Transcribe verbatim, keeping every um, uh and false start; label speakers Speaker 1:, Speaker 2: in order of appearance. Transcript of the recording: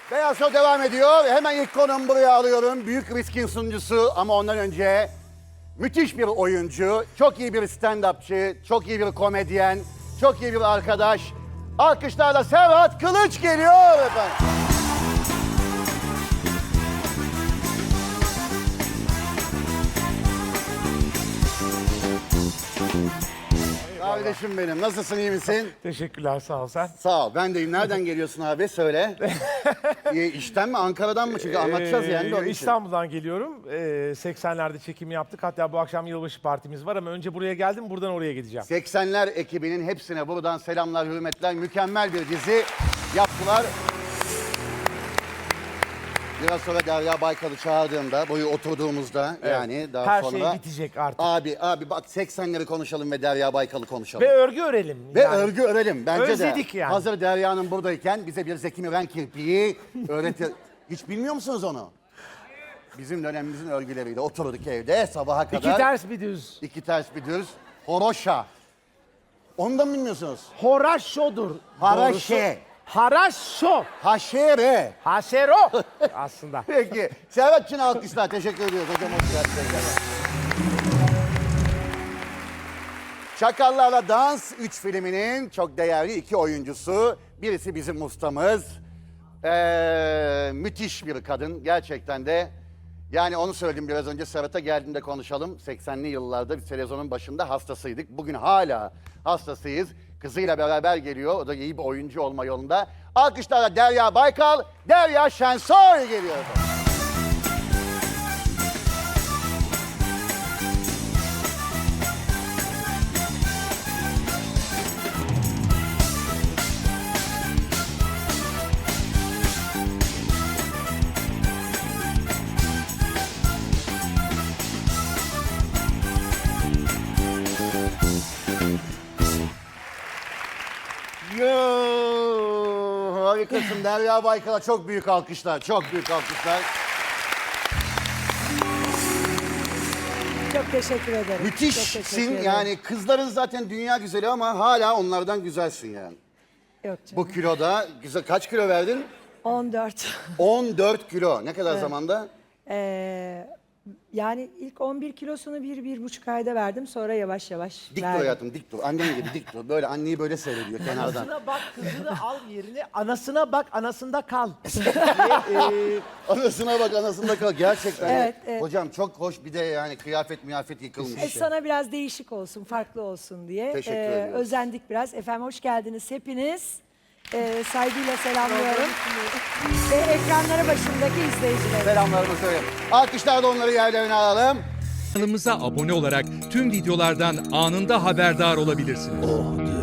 Speaker 1: Beyaz Show devam ediyor. Hemen ilk konumu buraya alıyorum. Büyük Riskin sunucusu ama ondan önce müthiş bir oyuncu, çok iyi bir stand-upçı, çok iyi bir komedyen, çok iyi bir arkadaş. Alkışlarla Serhat Kılıç geliyor efendim. Kardeşim benim, nasılsın, iyi misin?
Speaker 2: Teşekkürler, sağ ol sen.
Speaker 1: Sağ ol, ben deyim. Nereden geliyorsun abi? Söyle. e, işten mi, Ankara'dan mı? Çünkü anlatacağız yani de onun
Speaker 2: Ee,
Speaker 1: için.
Speaker 2: İstanbul'dan geliyorum. Ee, seksenlerde çekimi yaptık. Hatta bu akşam yılbaşı partimiz var ama önce buraya geldim, buradan oraya gideceğim.
Speaker 1: seksenler ekibinin hepsine buradan selamlar, hürmetler. Mükemmel bir dizi yaptılar. Biraz sonra Derya Baykal'ı çağırdığımda, boyu oturduğumuzda
Speaker 2: Evet.
Speaker 1: yani daha
Speaker 2: Her
Speaker 1: sonra...
Speaker 2: şey bitecek artık.
Speaker 1: Abi, abi bak seksenleri konuşalım ve Derya Baykal'ı konuşalım.
Speaker 2: Ve örgü örelim.
Speaker 1: Ve
Speaker 2: yani.
Speaker 1: örgü örelim bence
Speaker 2: Özledik
Speaker 1: de.
Speaker 2: yani.
Speaker 1: Hazır Derya'nın buradayken bize bir Zeki Müren kirpiği öğretir. Hiç bilmiyor musunuz onu? Bizim dönemimizin örgüleriyle oturduk evde sabaha kadar.
Speaker 2: İki ters bir düz.
Speaker 1: İki ters bir düz. Horoşa. Onu da mı bilmiyorsunuz?
Speaker 2: Horaşo'dur.
Speaker 1: Haraşe.
Speaker 2: doğrusu. Haraşo.
Speaker 1: Haşere.
Speaker 2: Haşero aslında.
Speaker 1: Peki. Serhat'cığım alkışlar. Teşekkür ediyoruz. Hocam hoş geldiniz. Çakallarla Dans üç filminin çok değerli iki oyuncusu. Birisi bizim ustamız. Ee, müthiş bir kadın. Gerçekten de. Yani onu söyledim biraz önce, Serhat'a geldiğinde konuşalım. seksenli yıllarda bir televizyonun başında hastasıydık. Bugün hala hastasıyız. Kızıyla beraber geliyor. O da iyi bir oyuncu olma yolunda. Alkışlarla Derya Baykal, Derya Şensoy geliyor. Yoo, harikasın Derya Baykal'a çok büyük alkışlar, çok büyük alkışlar.
Speaker 3: Çok teşekkür ederim. Çok
Speaker 1: Müthişsin
Speaker 3: teşekkür ederim.
Speaker 1: yani, kızların zaten dünya güzeli ama hala onlardan güzelsin yani.
Speaker 3: Yok canım.
Speaker 1: Bu kiloda güzel, kaç kilo verdin?
Speaker 3: on dört.
Speaker 1: on dört kilo. Ne kadar zamanda?
Speaker 3: Ee, yani ilk on bir kilosunu bir, bir buçuk ayda verdim. Sonra yavaş yavaş
Speaker 1: Dik dur
Speaker 3: verdim.
Speaker 1: hayatım, dik dur. Annen gibi dik dur. Böyle anneyi böyle seyrediyor kenardan.
Speaker 2: Anasına bak, kızını al yerine, anasına bak, anasında kal. diye, e,
Speaker 1: Anasına bak, anasında kal. Gerçekten.
Speaker 3: Evet, evet.
Speaker 1: Hocam çok hoş, bir de yani kıyafet miyafet yıkılmış.
Speaker 3: E, sana biraz değişik olsun, farklı olsun diye.
Speaker 1: Teşekkür
Speaker 3: Ee,
Speaker 1: ediyoruz.
Speaker 3: Özendik biraz. Efendim hoş geldiniz hepiniz. Ee, saygıyla selamlıyorum. Ve ekranları başındaki izleyiciler.
Speaker 1: Selamlarımı söyle. Alkışlarla onları yerlerine alalım.
Speaker 4: Kanalımıza abone olarak tüm videolardan anında haberdar olabilirsiniz.